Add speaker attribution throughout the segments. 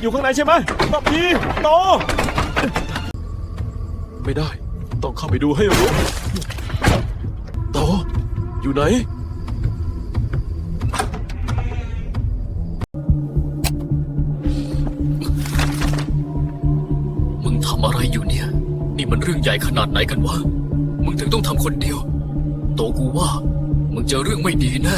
Speaker 1: อยู่ข้างในใช่ไหมบับพีโตไม่ได้ต้องเข้าไปดูให้รู้โตอยู่ไหน
Speaker 2: มึงทำอะไรอยู่เนี่ยนี่มันเรื่องใหญ่ขนาดไหนกันวะมึงถึงต้องทำคนเดียวโตกูว่ามึงเจอเรื่องไม่ดีแน่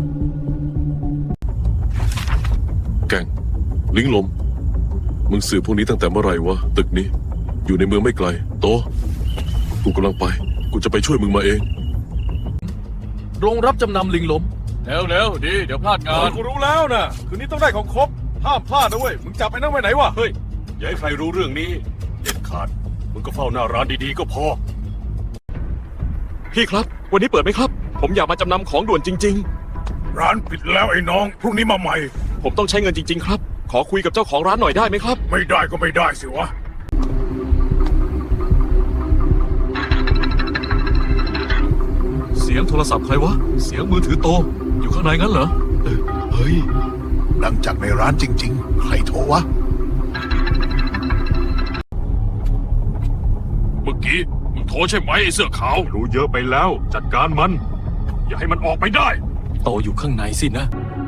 Speaker 3: แก่งลิงลมมึงสืบพวกนี้ตั้งแต่เมื่อไหร่วะตึกนี้อยู่ในเมืองไม่ไกลโตกูกำลังไปกูจะไปช่วยมึงมาเอง
Speaker 1: โรงรับจำนำลิงล้ม
Speaker 2: เร็วดีเดี๋ยวพลาดงาน
Speaker 1: กูรู้แล้วนะคืนนี้ต้องได้ของครบห้ามพลาดนะเว้ยมึงจับไอ้นั่นไว้ไหนวะ
Speaker 4: เฮ้ยอย่าให้ใครรู้เรื่องนี้เด็ดขาดมึงก็เฝ้าหน้าร้านดีๆก็พอ
Speaker 1: พี่ครับวันนี้เปิดไหมครับ ผมอยากมาจำนำของด่วนจริง
Speaker 4: ร้านปิดแล้วไอ้น้องพรุ่งนี้มาใหม่
Speaker 1: ๆ ผมต้องใช้เงินจริงๆครับขอคุยกับเจ้าของร้านหน่อยได้ไหมครับ
Speaker 4: ไม่ได้ก็ไม่ได้สิวะ
Speaker 1: เสียงโทรศัพท์ใครวะเสียงมือถือโตอยู่ข้างในงั้นเหรอเฮ้ย
Speaker 5: ดังจากในร้านจริงๆ ใครโทรวะ
Speaker 4: เมื่อกี้มึงโทรใช่ไหมไอ้เสื้อขาวรู้เยอะไปแล้วจัดการมัน อย่าให้มันออกไปได้
Speaker 2: โตอยู่ข้างในสินะ